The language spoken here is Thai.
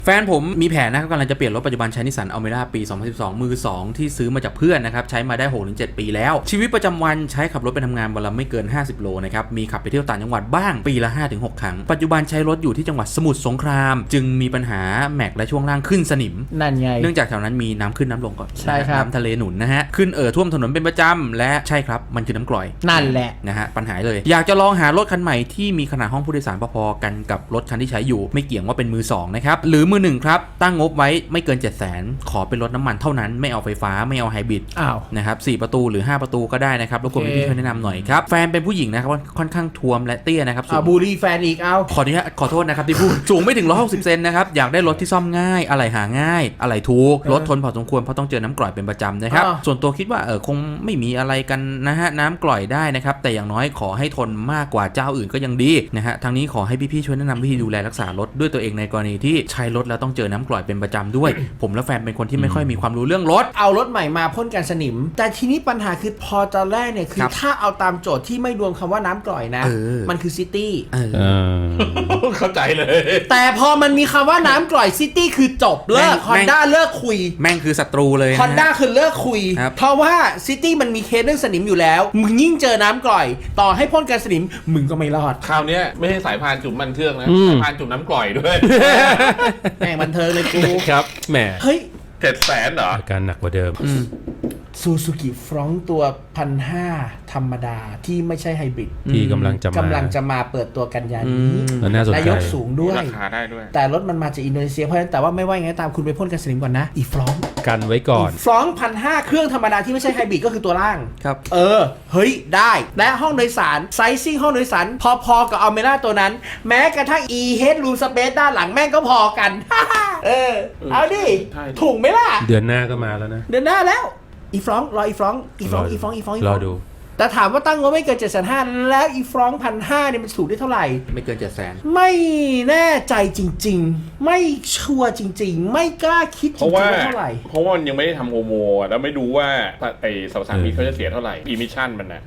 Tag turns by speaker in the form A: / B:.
A: แฟนผมมีแผนนะครับกำลังจะเปลี่ยนรถปัจจุบันใช้นิสสันอัลเมร่าปี 2012 มือ 2 ที่ซื้อมาจากเพื่อนนะครับใช้มาได้ 6-7 ปีแล้วชีวิตประจำวันใช้ขับรถไปทำงานวันละไม่เกิน 50 โลนะครับมีขับไปเที่ยวต่างจังหวัดบ้างปีละ 5-6 ครั้งปัจจุบันใช้รถอยู่ที่จังหวัดสมุทรสงครามจึงมีปัญหาแม็กและช่วงล่างขึ้นสนิม
B: นั่นไง
A: เนื่องจากแถวนั้นมีน้ำขึ้นน้ำลงก่อน
B: ใช่ครับ
A: น้ำทะเลหนุนนะฮะขึ้นท่วมถนนเป็นประจำและใช่ครับมันคือน้ำกร่อย
B: นั่นแหละ
A: นะฮะปัญหาเลยอยากจะลองหารถคันใหม่ที่มีขนาดห้องผู้โดยสารพอๆกันกับรถคันที่ใช้อยู่ไม่เกี่ยงว่าเป็นมือ2นะครับหรือมือ1ครับตั้งงบไว้ไม่เกิน 700,000 ขอเป็นรถน้ำมันเท่านั้นไม่เอาไฟฟ้าไม่เอาไฮบริดนะครับ4ประตูหรือ5ประตูก็ได้นะครับรบกวนพี่ช่วยแนะนำหน่อยครับแฟนเป็นผู้หญิงนะครับค่อนข้างท้วมและเตี้ยนะครับ
B: บูรีแฟนอีกเอา
A: ขอโทษนะครับที่พูดสูงไม่ถึง160 เซนนะครับอยากได้รถที่ซ่อมง่ายอะไรหาง่ายอะไรถูกรถทนพอสมควรเพราะต้องเจอน้ำกร่อยเป็นประจำนะครับส่วนตัวคิดว่าคงไม่มีอะไรกันนะฮะน้ำกร่อยได้นะครับแต่อย่างน้อยขอให้ทนมากกว่าเจ้าอื่นก็ยังดีนะฮะทางนี้ขอให้พี่ๆช่วยแนะนำวิธีดูแลรักษารถด้วยตัวเองในกรณีที่ใช้รถแล้วต้องเจอน้ำกร่อยเป็นประจำด้วย ผมและแฟนเป็นคนที่ไม่ค่อยมีความรู้เรื่องรถ
B: เอารถใหม่มาพ่นกันสนิมแต่ทีนี้ปัญหาคือพอตอนแรกเนี่ยคือถ้าเอาตามโจทย์ที่ไม่รวมคำว่าน้ำกร่อยนะมันคือซิตี้
C: เข้าใจเลย
B: แต่พอมันมีคำว่าน้ำกร่อยซิตี้คือจบเลิก Honda เลิกคุย
A: แม่งคือศัตรูเลย
B: Honda คือเลิกคุยเพราะว่าซิตี้มันมีเคสเรื่องสนิมอยู่แล้วมึงยิ่งเจอน้ำกร่อยต่อให้พ่นกันสนิมมึงก็ไม่รอด
C: คราวนี้ไม่ใช่สายพานจุ่มมันเครื่องนะสายพานจุ่มน้ำกร่อยด้วย
B: แม่งบันเทิงเลยกู
D: ครับแหม
B: เฮ้ย
C: 700,000เหรอ
D: อาการหนักกว่าเดิม
B: ซูซูกิฟรองตัว 1,500 ธรรมดาที่ไม่ใช่ไฮบริด
D: ที่กำลังจะมา
B: เปิดตัวกันยานี้
D: และ
B: ยกสูงด้วย
C: ราคาได้ด้วย
B: แต่รถมันมาจากอินโดนีเซียเพราะฉะนั้นแต่ว่าไม่ว่าอย่างไรตามคุณไปพ่นกันสนิมก่อนนะอีฟรอง
D: กันไว้ก่อน
B: ฟรอง 1,500 เครื่องธรรมดาที่ไม่ใช่ไฮบริดก็คือตัวล่าง
A: ครับ
B: เฮ้ยได้และห้องโดยสารไซซิ่งห้องโดยสารพอๆกับอัลเมร่าตัวนั้นแม้กระทั่ง e headroom space ด้านหลังแม่งก็พอกันเอาดิถูกไหมล่ะ
D: เดือนหน้าก็มาแล้วนะ
B: เดือนหน้าแล้วอีฟรองรออีฟรอง
D: รอดู
B: แต่ถามว่าตั้งงบไม่เกิน 750,000 แล้วอีฟรอง 1,500 เนี่ยมันสูงได้เท่าไหร่
A: ไม่เกิน 700,000
B: ไม่แน่ใจจริงๆไม่ชัวร์จริงๆไม่กล้าคิดจริงๆว่าเท่าไหร่
C: เพราะว่ามันยังไม่ได้ทำโฮโมแล้วไม่รู้ว่าไอ้สารมิตรเขาจะเสียเท่าไหร่อิมิชันมันนะ